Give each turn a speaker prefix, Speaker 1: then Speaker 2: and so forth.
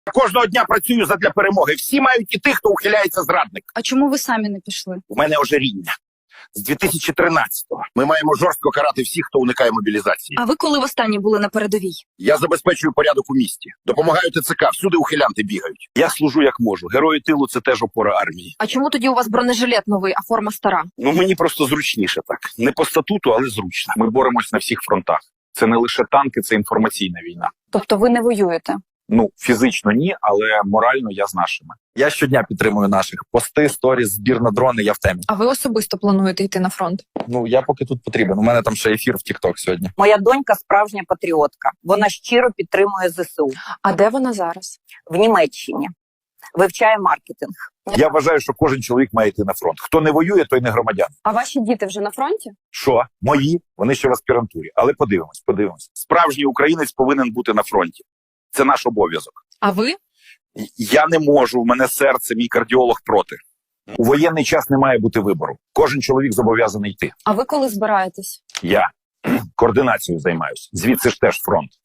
Speaker 1: Кожного дня працюю задля перемоги. Всі мають іти, хто ухиляється зрадник.
Speaker 2: А чому ви самі не пішли?
Speaker 1: У мене ожиріння. З 2013-го ми маємо жорстко карати всіх, хто уникає мобілізації.
Speaker 2: А ви коли востаннє були на передовій?
Speaker 1: Я забезпечую порядок у місті. Допомагаю ТЦК, всюди ухилянти бігають. Я служу як можу. Герої тилу – це теж опора армії.
Speaker 2: А чому тоді у вас бронежилет новий, а форма стара?
Speaker 1: Ну, мені просто зручніше так. Не по статуту, але зручно.
Speaker 3: Ми боремось на всіх фронтах. Це не лише танки, це інформаційна війна.
Speaker 2: Тобто ви не воюєте?
Speaker 3: Ну, фізично ні, але морально я з нашими.
Speaker 4: Я щодня підтримую наших. Пости, сторіс, збір на дрони, я в темі.
Speaker 2: А ви особисто плануєте йти на фронт?
Speaker 4: Ну, я поки тут потрібен. У мене там ще ефір в TikTok сьогодні.
Speaker 5: Моя донька справжня патріотка. Вона щиро підтримує ЗСУ.
Speaker 2: А де вона зараз?
Speaker 5: В Німеччині. Вивчає маркетинг.
Speaker 1: Я вважаю, що кожен чоловік має йти на фронт. Хто не воює, той не громадян.
Speaker 2: А ваші діти вже на фронті?
Speaker 1: Що? Мої? Вони ще в аспірантурі. Але подивимось. Справжній українець повинен бути на фронті. Це наш обов'язок.
Speaker 2: А ви?
Speaker 1: Я не можу, у мене серце, мій кардіолог проти. У воєнний час не має бути вибору. Кожен чоловік зобов'язаний йти.
Speaker 2: А ви коли збираєтесь?
Speaker 1: Я координацією займаюся. Звідси ж теж фронт.